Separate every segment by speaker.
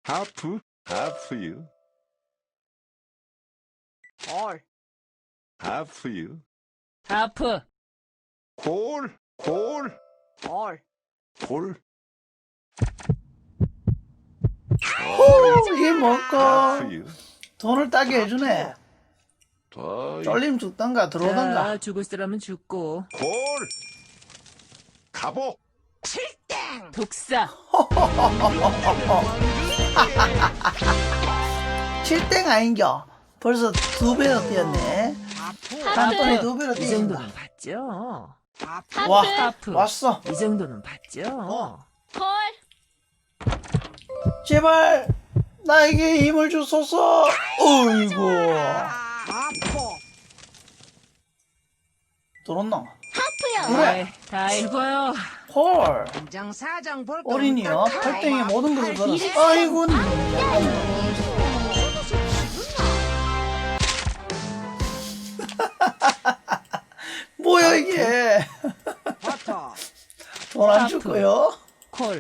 Speaker 1: 하프, 하프유,
Speaker 2: 콜,
Speaker 1: 하프유,
Speaker 3: 하프,
Speaker 1: 콜, 콜,
Speaker 2: 콜.
Speaker 1: 콜.
Speaker 4: 이게 뭘까?
Speaker 1: 하프유,
Speaker 4: 돈을 따게 해주네.
Speaker 1: 더이,
Speaker 4: 쫄림 죽던가 들어오던가.
Speaker 3: 자, 죽을 사람은 죽고.
Speaker 1: 콜, 가보.
Speaker 3: 독사,
Speaker 4: 7땡 아닌겨. 벌써 2배로 뛰었네. 한 번에 2배로
Speaker 3: 이
Speaker 4: 뛰었다.
Speaker 3: 정도는 봤죠.
Speaker 4: 와,
Speaker 3: 하프,
Speaker 4: 왔어.
Speaker 3: 이 정도는 봤죠.
Speaker 2: 콜.
Speaker 4: 제발 나에게 힘을 주소서. 어이구. 들었나?
Speaker 2: 하프요.
Speaker 4: 그래.
Speaker 3: 다 읽어요.
Speaker 4: 헐.
Speaker 2: 장사장 볼
Speaker 4: 어린이요. 8땡에 모든 것을 걸었어. 아이고. 뭐야 이게.
Speaker 2: 버터.
Speaker 4: 돈 안
Speaker 3: 하프.
Speaker 4: 줄 거요?
Speaker 3: 콜,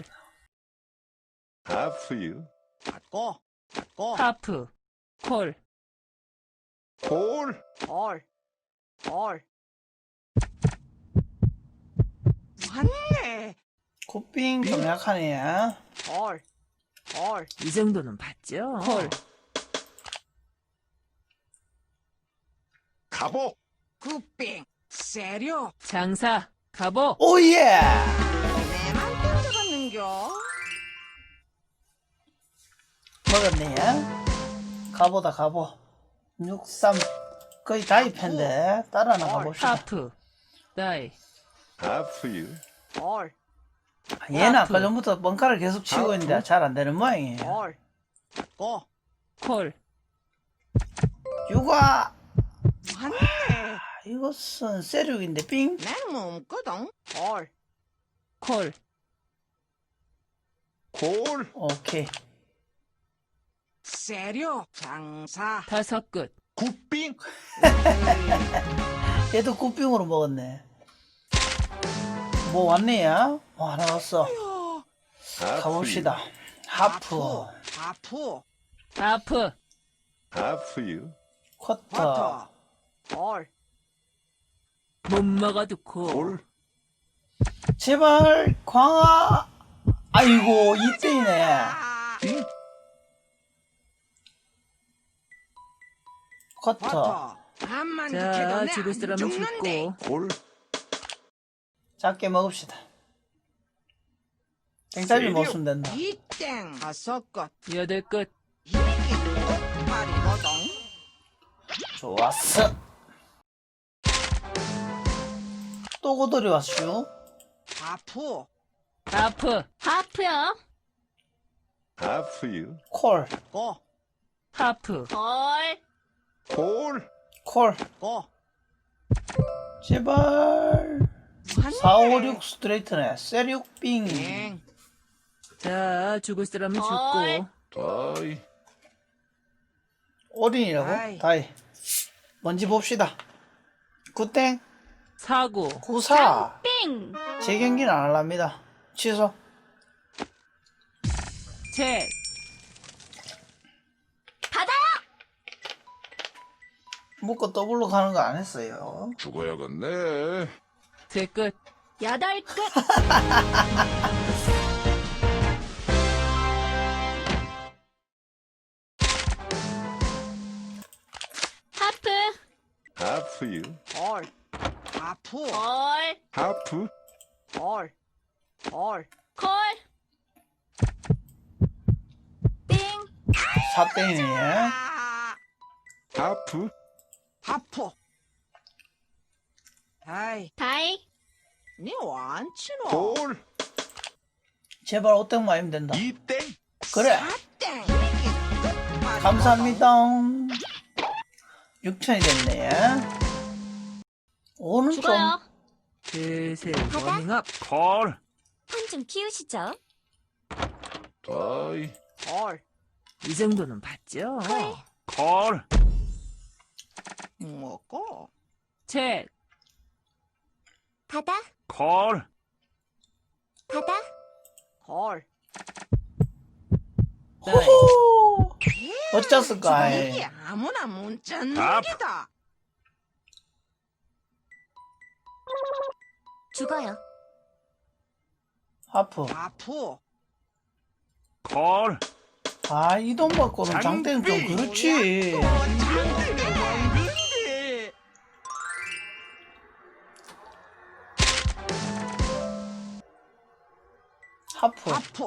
Speaker 1: 하프유,
Speaker 2: 받고. 받고.
Speaker 3: 하프, 콜,
Speaker 1: 콜,
Speaker 2: 콜. 콜. 왔네.
Speaker 4: 굿빙 좀 약하네.
Speaker 2: 콜. 콜.
Speaker 3: 이 정도는 봤죠. 콜,
Speaker 1: 가보.
Speaker 2: 굿빙. 세려.
Speaker 3: 장사, 가보.
Speaker 4: 오예.
Speaker 2: 내만 던져봤는겨.
Speaker 4: 먹었네. 가보다 가보. 63 거의 다입했는데 따라 나가봅시다.
Speaker 3: 하프, 다이,
Speaker 1: 하프유,
Speaker 2: 콜.
Speaker 4: 얘는
Speaker 3: 하프.
Speaker 4: 아까 전부터 뻥카를 계속 치고 있는데 잘 안 되는 모양이에요.
Speaker 2: 콜. 받고.
Speaker 3: 콜,
Speaker 4: 육아.
Speaker 2: 왔네.
Speaker 4: 이것은 세륙인데 삥.
Speaker 2: 나는 뭐 없거든. 콜.
Speaker 3: 콜,
Speaker 1: 콜,
Speaker 4: 오케이.
Speaker 2: 세려. 장사.
Speaker 3: 다섯 끝.
Speaker 1: 굿빙.
Speaker 4: 얘도 굿빙으로 먹었네. 뭐 왔네 야? 뭐 하나 왔어. 가봅시다. 하프.
Speaker 2: 하프.
Speaker 3: 하프,
Speaker 1: 하프유,
Speaker 4: 쿼터.
Speaker 2: 버터. 콜.
Speaker 3: 못 먹어도 콜.
Speaker 1: 콜,
Speaker 4: 제발 광아. 아이고 이때이네.
Speaker 1: 빙.
Speaker 4: 쿼터.
Speaker 2: 버터. 한만
Speaker 3: 자, 죽을 사람은 죽고.
Speaker 1: 콜,
Speaker 4: 작게 먹읍시다. 땡짜리 먹으면 된다.
Speaker 2: 이땡 다섯 것.
Speaker 3: 여덟 끝.
Speaker 2: 이게 말이거든.
Speaker 4: 좋았어. 또 고돌이 왔슈.
Speaker 2: 하프.
Speaker 3: 하프,
Speaker 5: 하프요.
Speaker 1: 하프유,
Speaker 4: 콜.
Speaker 2: 고.
Speaker 3: 하프,
Speaker 5: 헐.
Speaker 1: 콜,
Speaker 4: 콜.
Speaker 2: 고.
Speaker 4: 제발. 4, 5, 6 스트레이트네. 세륙빙.
Speaker 2: 땡.
Speaker 3: 자, 죽을 사람은
Speaker 5: 헐.
Speaker 3: 죽고.
Speaker 1: 더이,
Speaker 4: 올인이라고?
Speaker 2: 아이.
Speaker 4: 다이. 뭔지 봅시다. 굿땡.
Speaker 3: 사고,
Speaker 4: 94.
Speaker 5: 빙.
Speaker 4: 재경기는 안 할랍니다. 취소.
Speaker 3: 책,
Speaker 5: 받아요.
Speaker 4: 묶어 더블로 가는 거 안 했어요.
Speaker 1: 죽어야겠네.
Speaker 3: 세 끝.
Speaker 5: 여덟 끝. 하프.
Speaker 1: 하프유,
Speaker 2: 콜. 하프.
Speaker 5: 헐.
Speaker 1: 하프,
Speaker 2: 콜. 콜.
Speaker 5: 콜. 빙.
Speaker 4: 4땡이네.
Speaker 1: 하프,
Speaker 2: 하프. 아이,
Speaker 5: 다이.
Speaker 2: 니 완치노.
Speaker 1: 콜,
Speaker 4: 제발 5땡 맞으면 된다.
Speaker 1: 이땡.
Speaker 4: 그래.
Speaker 2: 땡.
Speaker 4: 감사합니다. 6천이 됐네. 오는 좀.
Speaker 5: 죽어요.
Speaker 3: 슬슬
Speaker 5: 바다?
Speaker 3: 워밍업.
Speaker 1: 콜,
Speaker 5: 판 좀 키우시죠.
Speaker 1: 더이,
Speaker 2: 콜.
Speaker 3: 이 정도는 봤죠.
Speaker 1: 콜,
Speaker 2: 먹고.
Speaker 3: 책,
Speaker 5: 바다.
Speaker 1: 콜,
Speaker 5: 바다.
Speaker 2: 콜.
Speaker 3: 다이.
Speaker 4: 호호. 어쩌을까?
Speaker 2: 이게 아무나 못 찾는
Speaker 1: 밥.
Speaker 2: 기다.
Speaker 5: 죽어요.
Speaker 4: 하프.
Speaker 2: 하프.
Speaker 1: 콜.
Speaker 4: 아, 이 돈 받고는 장땡 좀 그렇지.
Speaker 2: 장땡이 왕근데.
Speaker 4: 하프.
Speaker 2: 하프.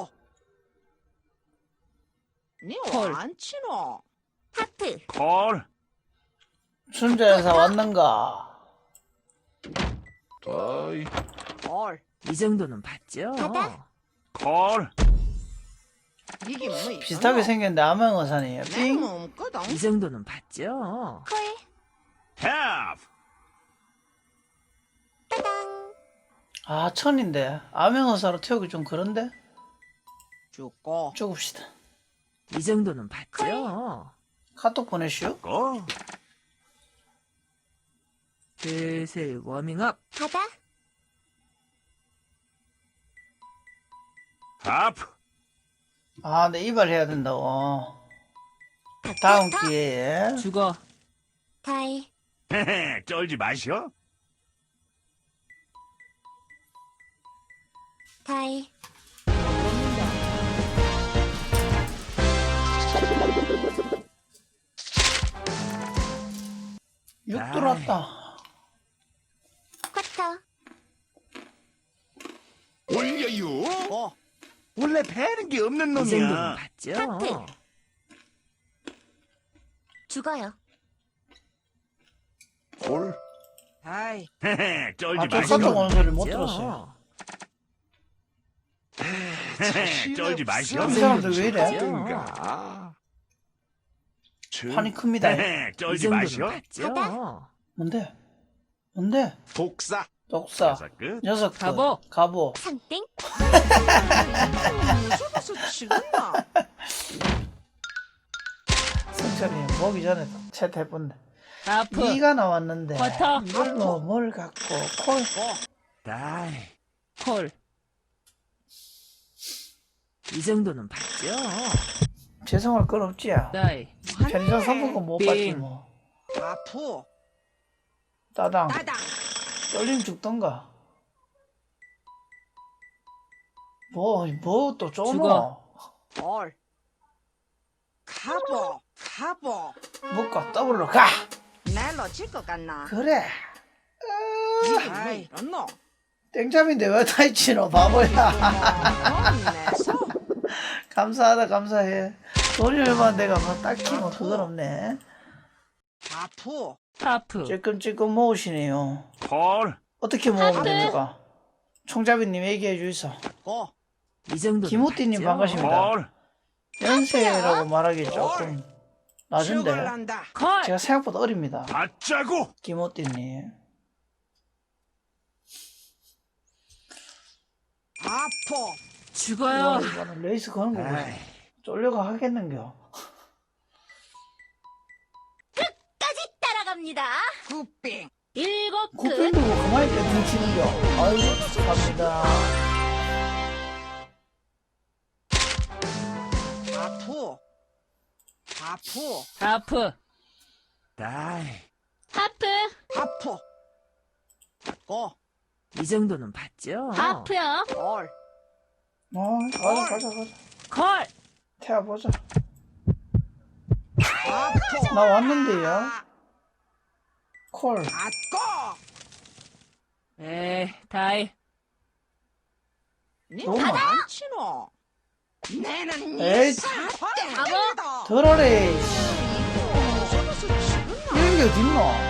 Speaker 3: 콜.
Speaker 2: 니안 치노?
Speaker 5: 하프.
Speaker 1: 콜.
Speaker 4: 순자에서 왔는가?
Speaker 1: 다이.
Speaker 2: 콜.
Speaker 3: 이 정도는 봤죠?
Speaker 5: 바다.
Speaker 1: 콜.
Speaker 2: 이게 뭐
Speaker 4: 비슷하게 생겼는데 암행어산이에요. 삥.
Speaker 2: 내몸 없거든.
Speaker 3: 이 정도는 봤죠?
Speaker 5: 콜.
Speaker 1: have.
Speaker 5: 따당.
Speaker 4: 아, 천인데. 암행어사로 태우기 좀 그런데?
Speaker 2: 죽고.
Speaker 4: 죽읍시다.
Speaker 3: 이 정도는 봤죠?
Speaker 4: 카톡 보내시오.
Speaker 1: 고.
Speaker 3: 슬슬 워밍업.
Speaker 5: 바다.
Speaker 1: 하프.
Speaker 4: 아, 네, 이발해야 된다고. 다음 기회에.
Speaker 3: 죽어.
Speaker 5: 다이.
Speaker 1: 헤헤, 쩔지 마시오.
Speaker 5: 다이.
Speaker 4: 육 들어왔다.
Speaker 5: 쿼터.
Speaker 1: 올려요.
Speaker 2: 고.
Speaker 1: 원래 배는 게 없는
Speaker 3: 이 정도는
Speaker 1: 놈이야.
Speaker 3: 봤죠?
Speaker 5: 하프. 죽어요.
Speaker 1: 콜.
Speaker 2: 다이.
Speaker 1: 헤헤, 쩔지
Speaker 4: 아, 저
Speaker 1: 마시오.
Speaker 4: 카톡 오는 소리 못
Speaker 3: 봤죠?
Speaker 4: 들었어요.
Speaker 1: 헤헤, 쩔지 마시오.
Speaker 4: 이 사람들 왜 이래?
Speaker 1: 하든가.
Speaker 4: 판이 큽니다.
Speaker 1: 헤헤,
Speaker 3: 이
Speaker 1: 쩔지
Speaker 3: 정도는
Speaker 1: 마시오.
Speaker 3: 봤죠?
Speaker 4: 뭔데? 뭔데?
Speaker 1: 독사.
Speaker 4: 독사.
Speaker 1: 여섯 끝.
Speaker 4: 녀석.
Speaker 3: 가보.
Speaker 4: 가보.
Speaker 5: 상땡.
Speaker 2: 무서워서 치겠나?
Speaker 4: 승철이 오기 전에 채택해본데.
Speaker 3: 하프.
Speaker 4: 2가 나왔는데.
Speaker 3: 쿼터.
Speaker 4: 뭘 갖고. 콜.
Speaker 1: 다이.
Speaker 3: 콜. 이 정도는 봤죠?
Speaker 4: 죄송할 건 없지.
Speaker 3: 다이.
Speaker 4: 편의점 상품권 못 받지
Speaker 3: 빙.
Speaker 4: 뭐.
Speaker 2: 하프.
Speaker 4: 따당.
Speaker 2: 따당.
Speaker 4: 떨림 죽던가. 뭐 또 쪼노.
Speaker 3: 죽어.
Speaker 2: 콜. 가보. 가보.
Speaker 4: 묶어 더블로 가.
Speaker 2: 날로 질것 같나?
Speaker 4: 그래.
Speaker 2: 이게 뭐 이렇노?
Speaker 4: 땡잡인데 왜 타이치노 바보야.
Speaker 2: 내서.
Speaker 4: 감사하다 감사해. 돈이 얼마 내가 뭐 딱히 뭐 그건 없네.
Speaker 2: 하프.
Speaker 3: 하프.
Speaker 4: 찔끔찔끔 모으시네요.
Speaker 1: 콜.
Speaker 4: 어떻게 모으면 됩니까? 총잡이님 얘기해 주이소.
Speaker 2: 고.
Speaker 3: 이 정도는
Speaker 4: 김우띠님
Speaker 3: 봤죠?
Speaker 4: 반갑습니다.
Speaker 1: 콜.
Speaker 4: 연세라고 말하기 조금 낮은데
Speaker 2: 죽을란다.
Speaker 3: 콜.
Speaker 4: 제가 생각보다 어립니다.
Speaker 1: 받자고.
Speaker 4: 김우띠님.
Speaker 2: 하프.
Speaker 3: 죽어요.
Speaker 4: 이거는 레이스 거는 거고
Speaker 1: 아이.
Speaker 4: 쫄려가 하겠는겨.
Speaker 5: 까지 따라갑니다.
Speaker 2: 굿빙.
Speaker 5: 7끝.
Speaker 4: 굿밴드 뭐 가만히 있게 뭉치는겨. 아이고 갑니다.
Speaker 2: 하프. 하프.
Speaker 3: 하프.
Speaker 1: 다이.
Speaker 5: 하프.
Speaker 2: 하프. 고.
Speaker 3: 이 정도는 봤죠?
Speaker 5: 하프요.
Speaker 2: 콜.
Speaker 4: 가자
Speaker 3: 콜.
Speaker 4: 태워보자.
Speaker 2: 하프.
Speaker 4: 나 왔는데요. 콜.
Speaker 2: 받고.
Speaker 3: 에이, 다이.
Speaker 4: 너무 많아.
Speaker 2: 니안 치노? 내는
Speaker 4: 에이.
Speaker 2: 사탕이다.
Speaker 4: 들어래.
Speaker 2: 무서워서 치겠나?
Speaker 4: 이런 게 어딨노?